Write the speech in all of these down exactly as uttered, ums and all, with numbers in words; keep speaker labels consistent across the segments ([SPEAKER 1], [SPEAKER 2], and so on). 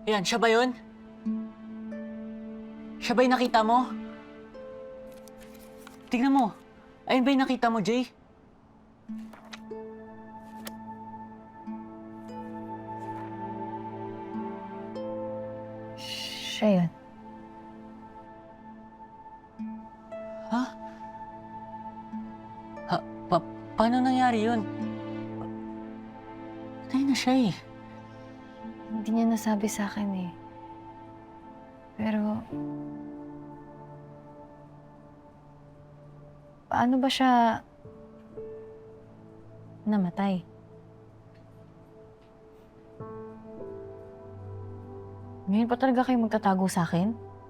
[SPEAKER 1] Ayan, siya ba yun? Siya ba yung nakita mo? Tingnan mo. Ayun ba yung nakita mo, Jay?
[SPEAKER 2] Siya yun.
[SPEAKER 1] Ha? Ha? Pa paano nangyari yun? Patay na siya eh.
[SPEAKER 2] Hindi niya nasabi sa akin eh. Pero... Paano ba siya... namatay? Ngayon pa talaga kayo magtatago sa akin?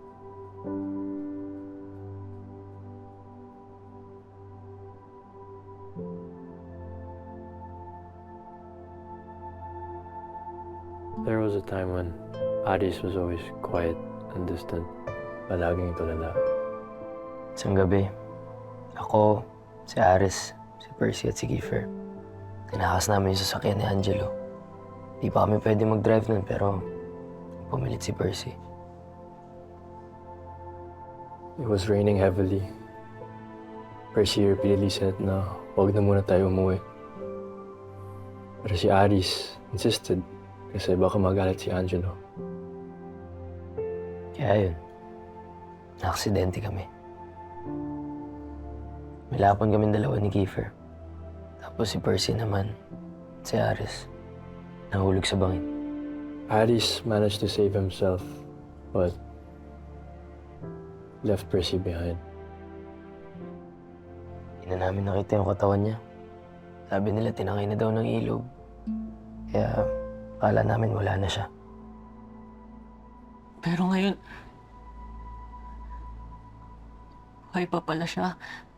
[SPEAKER 3] There was a time when Aris was always quiet and distant. Palaging tulala.
[SPEAKER 4] Isang gabi, ako, si Aris, si Percy at si Kiefer. Tinakas namin yung sasakyan ni Angelo. Di pa kami pwede mag-drive nun pero pumilit si Percy.
[SPEAKER 3] It was raining heavily. Percy repeatedly said na huwag na muna tayo umuwi. Pero si Aris insisted kasi baka magalit si Angelo.
[SPEAKER 4] Kaya yun, na-aksidente kami. Milapon kami dalawa ni Kiefer. Tapos si Percy naman, si Aris, nahulog sa bangin.
[SPEAKER 3] Aris managed to save himself, but left Percy behind.
[SPEAKER 4] Hindi na namin nakita yung katawan niya. Sabi nila tinangay na daw ng ilog. Kaya akala namin wala na siya.
[SPEAKER 1] Pero ngayon... buhay pa pala siya.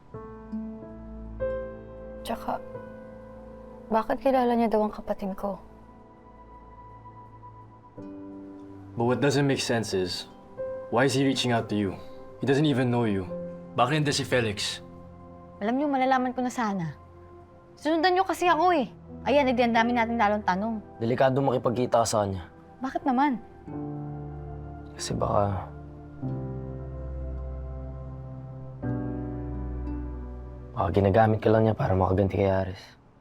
[SPEAKER 2] Tsaka, bakit kilala niya daw ang kapatid ko?
[SPEAKER 3] But what doesn't make sense is, why is he reaching out to you? He doesn't even know you. Bakit hindi si Felix?
[SPEAKER 2] Alam niyo, malalaman ko na sana. Sunundan niyo kasi ako eh. Ayan, hindi ang dami natin lalong tanong.
[SPEAKER 4] Delikado makipagkita ka sa kanya.
[SPEAKER 2] Bakit naman?
[SPEAKER 4] Kasi baka... Baka ginagamit ka lang niya para makaganti kay Aris.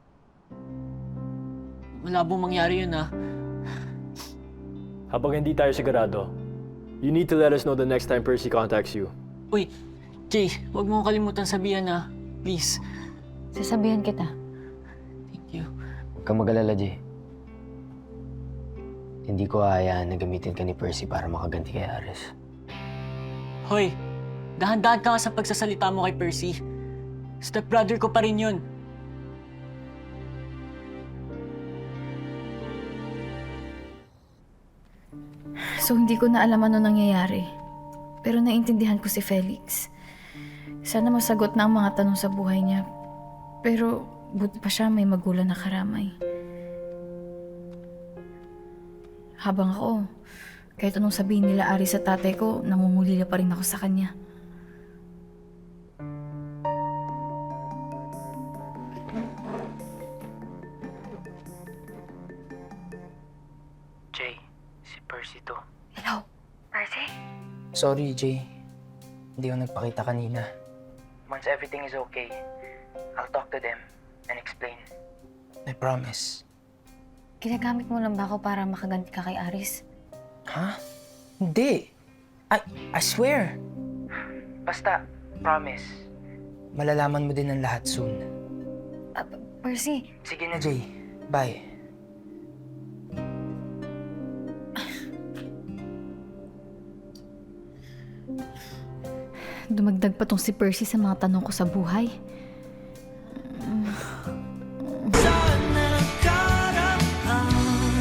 [SPEAKER 1] Malabong mangyari yun ah.
[SPEAKER 3] Habang hindi tayo sigurado, you need to let us know the next time Percy contacts you.
[SPEAKER 1] Uy, Jay, huwag mo kalimutan sabihan ah. Please.
[SPEAKER 2] Sasabihan kita.
[SPEAKER 1] Thank you.
[SPEAKER 4] Huwag kang mag-alala, Jay. Hindi ko hayaan na gamitin ka ni Percy para makaganti kay Aris.
[SPEAKER 1] Hoy, dahan-dahan ka nga sa pagsasalita mo kay Percy. Stepbrother ko pa rin yun.
[SPEAKER 2] So, hindi ko na alam ano nangyayari. Pero naintindihan ko si Felix. Sana masagot na ang mga tanong sa buhay niya. Pero, buti pa siya may magulang na karamay. Habang ako, kahit anong sabihin nila Ari sa tatay ko, nangungulila pa rin ako sa kanya.
[SPEAKER 5] Jay, si Percy to.
[SPEAKER 2] Hello, Percy?
[SPEAKER 5] Sorry, Jay. Hindi ako nagpakita kanina. Once everything is okay, I'll talk to them and explain. I promise.
[SPEAKER 2] Ginagamit mo lang ba ako para makaganti ka kay Aris?
[SPEAKER 5] Ha? Hindi. I, I swear. Basta, promise. Malalaman mo din ang lahat soon.
[SPEAKER 2] Uh, Percy,
[SPEAKER 5] Sige na, Jay. Bye.
[SPEAKER 2] dumagdag pa tong si Percy sa mga tanong ko sa buhay.